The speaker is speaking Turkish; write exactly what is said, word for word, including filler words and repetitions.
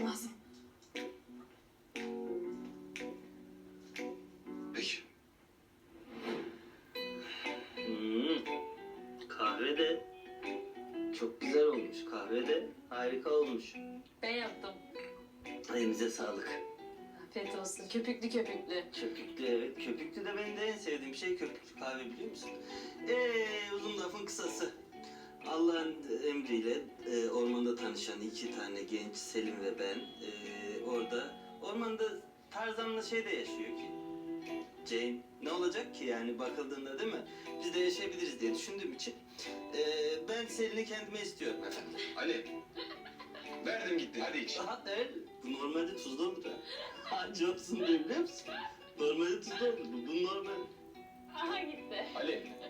bakmam lazım. Peki. Hmm. Kahve de çok güzel olmuş. Kahve de harika olmuş. Ben yaptım. Elinize sağlık. Afiyet olsun. Köpüklü köpüklü. Köpüklü, evet. Köpüklü de benim de en sevdiğim şey köpüklü kahve, biliyor musun? Eee uzun lafın kısası. Allah'ın emriyle e, ormanda tanışan iki tane genç, Selim ve ben, e, orada ormanda Tarzan'la şey de yaşıyor ki. Jane. Ne olacak ki yani bakıldığında, değil mi? Biz de yaşayabiliriz diye düşündüğüm için e, ben Selin'i kendime istiyorum efendim. Ali. Verdim gitti. Hadi iç. Aha, evet. Bu normalde tuzlu olur ha. Hacı olsun diye, biliyor musun? Normalde tuzlu olur. Bu, bu normal. Aha gitti. Ali.